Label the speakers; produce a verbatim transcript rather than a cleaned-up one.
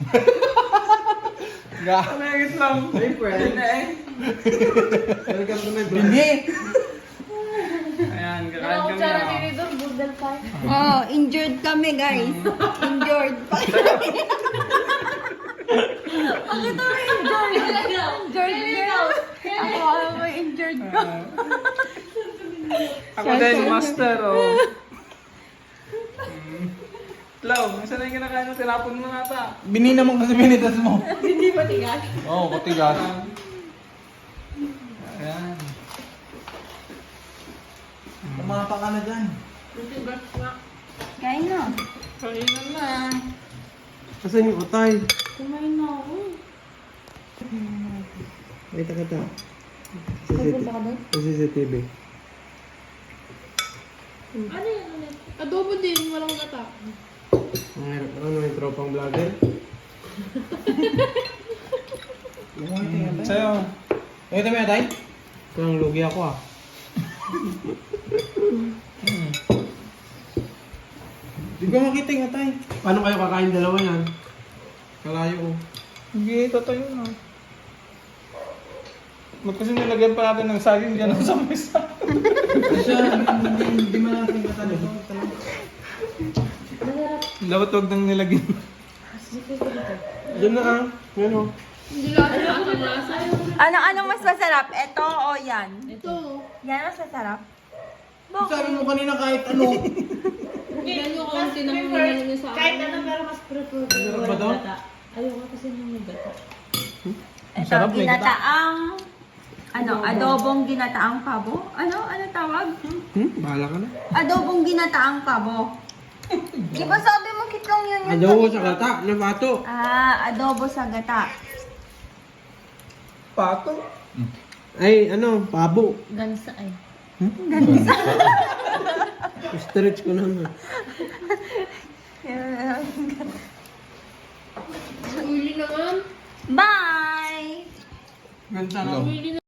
Speaker 1: Ga.
Speaker 2: Kumagis lang. Ay, pwede na eh.
Speaker 1: Welcome to my vlog. Hindi.
Speaker 2: Ayan, kakain
Speaker 3: Ano
Speaker 2: kami
Speaker 3: tsara
Speaker 2: na.
Speaker 3: dito doon? Budal pa.
Speaker 4: Oh, injured kami, guys. Injured pa kami. Bakit kami injured? Injured girl. Ako, ako may injured ko.
Speaker 2: Ako din, master, oh. Lau, saan na yung kinakain mo? Tinapon mo nata.
Speaker 1: Binina mo kasi binitas mo.
Speaker 3: Hindi ba tigas?
Speaker 1: Oo, oh, katigas.
Speaker 2: Ayan.
Speaker 1: Tumapa ka na dyan.
Speaker 4: Kain na.
Speaker 2: Kainan na.
Speaker 1: Asan yung utay?
Speaker 3: Kumain na ako.
Speaker 1: Kita kita.
Speaker 3: Pupunta ka doon?
Speaker 1: Sa C C T V.
Speaker 3: Ano yan ulit? Adobo din, walang gata.
Speaker 1: Ang hirap naman may tropang vlogger.
Speaker 2: Sa'yo.
Speaker 1: Ito mo tay? Kung lugi ako ah. Di ko makita yung atay. Paano kayo kakain dalawa yan? Kalayo ko.
Speaker 2: Hindi, totoo yun, oh. Ba't kasi nilagyan pa natin ng saging dyan sa mesa?
Speaker 1: Kasi hindi, hindi man natin katanong.
Speaker 3: Masarap.
Speaker 2: Dapat huwag nang nilagyan.
Speaker 1: Diyan na ah. Yan o.
Speaker 3: Hindi lang ano ang lasa.
Speaker 4: Ano, ano mas masarap? Ito o yan?
Speaker 3: Ito.
Speaker 4: Yan mas masarap?
Speaker 1: Sabi mo kanina kahit ano.
Speaker 3: Yan yung konti na humingan niya sa akin. Kahit ano pero mas prefer ko.
Speaker 1: Masarap ba to?
Speaker 3: Ayoko kasi nung may gata.
Speaker 4: Ito,
Speaker 2: Masarap, may gata.
Speaker 4: ginataang... Ano, adobong ginataang pabo? Ano? Ano tawag?
Speaker 1: Hmm? Bahala ka na.
Speaker 4: Adobong ginataang pabo. Di ba sabi mo kitong yun yun?
Speaker 1: Adobo
Speaker 4: kanina?
Speaker 1: sa gata. Nabato.
Speaker 4: Ah, adobo sa gata.
Speaker 2: Pato.
Speaker 1: Ay, ano, pabo.
Speaker 3: Gansa ay.
Speaker 4: Ganisa.
Speaker 1: Stretch ko naman.
Speaker 3: Uli naman.
Speaker 4: Bye!
Speaker 2: Gansa na.
Speaker 3: Uli